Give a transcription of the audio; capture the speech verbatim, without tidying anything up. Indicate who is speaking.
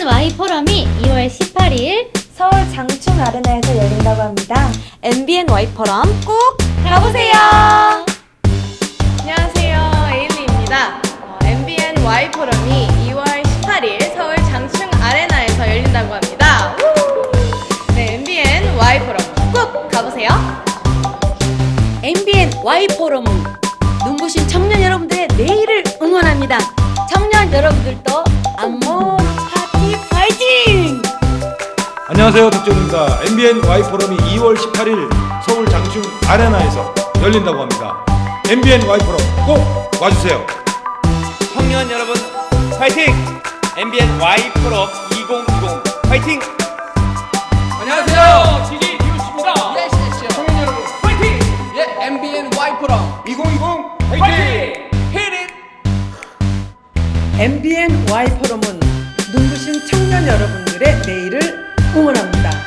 Speaker 1: 엠비엔와이 포럼이 이월 십팔일
Speaker 2: 서울 장충 아레나에서 열린다고 합니다.
Speaker 3: 엠비엔와이 포럼 꼭
Speaker 1: 가보세요.
Speaker 4: 안녕하세요, 에일리입니다. 어, 엠비엔와이 포럼이 이월 십팔일 서울 장충 아레나에서 열린다고 합니다. 우! 네, 엠비엔와이 포럼 꼭 가보세요.
Speaker 3: 엠비엔와이 포럼은 눈부신 청년 여러분들의 내일을 응원합니다. 청년 여러분들도 안무 파티 파이팅!
Speaker 5: 안녕하세요, 덕정입니다. 엠비엔와이 포럼이 이월 십팔일 서울 장충 아레나에서 열린다고 합니다. 엠비엔와이 포럼 꼭 와주세요.
Speaker 6: 청년 여러분 파이팅! 엠비엔와이 포럼 이천이십 파이팅!
Speaker 7: 안녕하세요, 디제이 디오씨입니다. 예스, 예스. 청년 여러분 파이팅! 예, 엠비엔와이 포럼 이천이십 파이팅! 히릿!
Speaker 8: 엠비엔와이 포럼은 눈부신 청년 여러분들의 내일을 응원합니다.